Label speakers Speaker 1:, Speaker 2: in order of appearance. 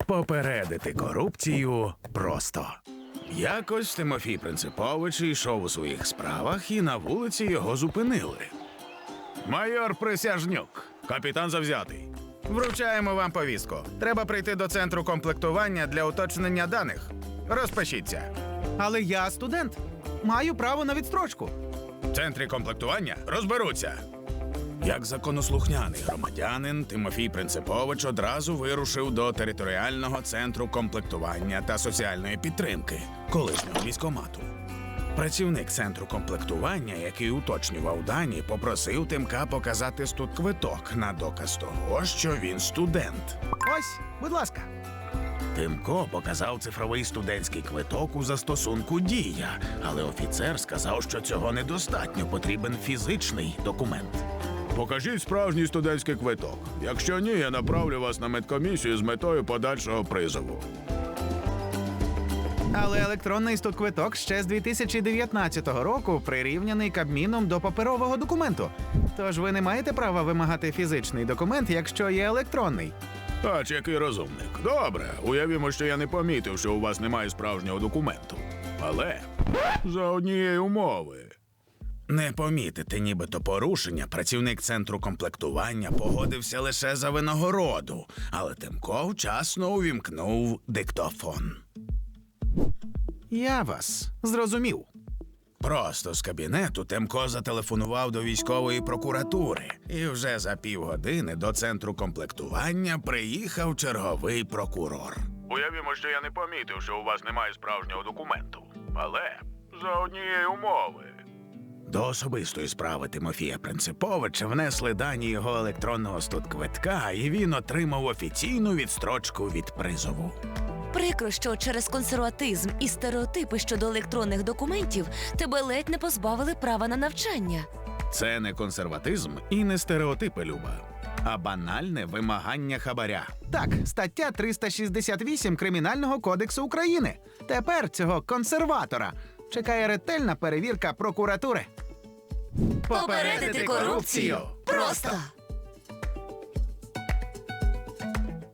Speaker 1: Попередити корупцію просто. Якось Тимофій Принципович йшов у своїх справах, і на вулиці його зупинили. «Майор Присяжнюк, капітан завзятий. Вручаємо вам повістку. Треба прийти до центру комплектування для уточнення даних. Розпишіться».
Speaker 2: Але я студент. Маю право на відстрочку.
Speaker 1: В центрі комплектування розберуться. Як законослухняний громадянин, Тимофій Принципович одразу вирушив до територіального центру комплектування та соціальної підтримки, колишнього військкомату. Працівник центру комплектування, який уточнював дані, попросив Тимка показати студквиток на доказ того, що він студент.
Speaker 2: Ось, будь ласка.
Speaker 1: Тимко показав цифровий студентський квиток у застосунку «Дія», але офіцер сказав, що цього недостатньо, потрібен фізичний документ. «Покажіть справжній студентський квиток. Якщо ні, я направлю вас на медкомісію з метою подальшого призову».
Speaker 2: Але електронний студквиток ще з 2019 року прирівняний Кабміном до паперового документу. Тож ви не маєте права вимагати фізичний документ, якщо є електронний.
Speaker 1: Ач, який розумник. Добре, уявімо, що я не помітив, що у вас немає справжнього документу. Але за однієї умови. Не помітити нібито порушення працівник центру комплектування погодився лише за винагороду, але Тимко вчасно увімкнув диктофон.
Speaker 2: Я вас зрозумів.
Speaker 1: Просто з кабінету Тимко зателефонував до військової прокуратури, і вже за півгодини до центру комплектування приїхав черговий прокурор. Уявімо, що я не помітив, що у вас немає справжнього документу, але за однієї умови. До особистої справи Тимофія Принциповича внесли дані його електронного студквитка, і він отримав офіційну відстрочку від призову.
Speaker 3: Прикро, що через консерватизм і стереотипи щодо електронних документів тебе ледь не позбавили права на навчання.
Speaker 1: Це не консерватизм і не стереотипи, Люба, а банальне вимагання хабаря.
Speaker 2: Так, стаття 368 Кримінального кодексу України. Тепер цього консерватора чекає ретельна перевірка прокуратури.
Speaker 3: Попередити корупцію просто!